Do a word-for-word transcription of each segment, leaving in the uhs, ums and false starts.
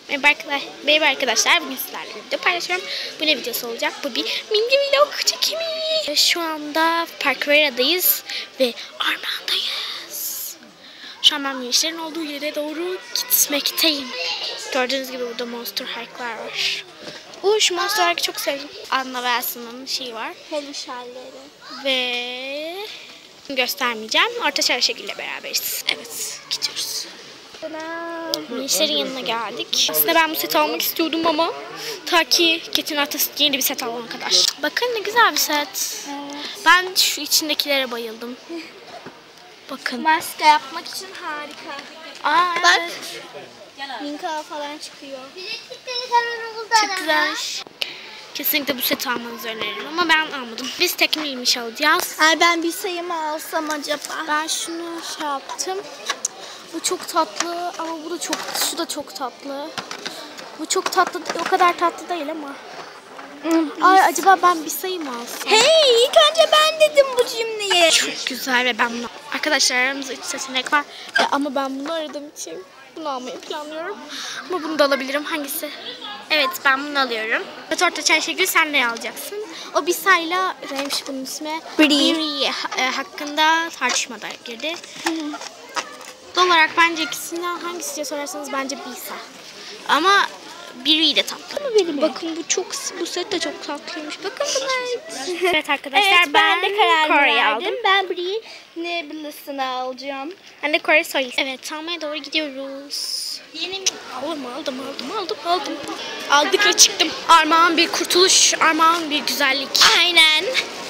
Merhaba arkadaşlar, merhaba arkadaşlar. Bugün sizlerle bir video paylaşıyorum. Bu ne videosu olacak? Bu bir mini vlog çekimi. Şu anda Parkvera'dayız ve Armağan'dayız. Şu an ben gençlerin olduğu yere doğru gitmekteyim. Gördüğünüz gibi burada Monster Hike'lar var. Bu şu Monster Hike'ı çok sevdim. Anna ve Elsa'nın şeyi var. Peluş halleri. Ve göstermeyeceğim. Orta Çarşı'yla beraberiz. Evet, gidiyoruz. Gençlerin yanına geldik. Aslında ben bu seti almak istiyordum ama ta ki Ketin Atası yeni bir set alana kadar. Bakın ne güzel bir set. Evet. Ben şu içindekilere bayıldım. Bakın. Maske yapmak için harika. Aa, Bak. evet. Minka falan çıkıyor. Çok güzel. Kesinlikle bu seti almanızı öneririm ama ben almadım. Biz tekmilmiş alacağız. Ay ben bir sayımı alsam acaba? Ben şunu şey yaptım. Bu çok tatlı ama bu da çok, şu da çok tatlı. Bu çok tatlı, o kadar tatlı değil ama. Ay acaba ben bir sayı mı alsam? Hey, ilk önce ben dedim bu cümleyi. Çok güzel ve ben bunu... Arkadaşlar aramızda üç seçenek var. E, ama ben bunu aradığım için bunu almayı planlıyorum. Ama bunu da alabilirim. Hangisi? Evet, ben bunu alıyorum. Evet, Orta Çarşıgül sen ne alacaksın? O bir sayla, neymiş bunun ismi? Brie. e, hakkında tartışmada girdi. Doğal olarak bence ikisinden hangisi diye sorarsanız bence Bisa. Ama biri de tatlı. Benim Bakın bu çok, bu set de çok tatlıymış. Bakın bunlar. Evet arkadaşlar, Evet, ben, ben, de karar Kore'yi verdim. aldım. Ben Brie Nebula'sını alacağım. Ben de Kore Soy. Evet, almaya doğru gidiyoruz. Yeni mi? Aldım, aldım, aldım, aldım, aldım. Aldık ve çıktım. Armağan bir kurtuluş, armağan bir güzellik. Aynen.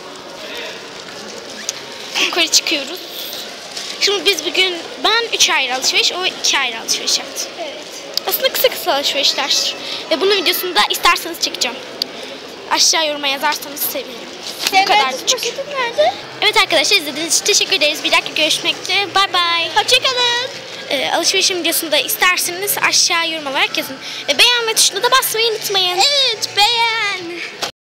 Yukarı çıkıyoruz. Şimdi biz bugün, ben üç ayrı alışveriş, o iki ayrı alışveriş yaptı. Evet. Aslında kısa kısa alışverişler. Ve bunun videosunu da isterseniz çekeceğim. Aşağı yoruma yazarsanız sevinirim. Bu kadar küçük. Poşetin nerede? Evet arkadaşlar, izlediğiniz için teşekkür ederiz. Bir dakika görüşmek üzere. Bay bay. Hoşçakalın. Ee, alışverişim videosunu da isterseniz aşağı yorum olarak yazın. Ve beğenme tuşuna da basmayı unutmayın. Evet, beğen.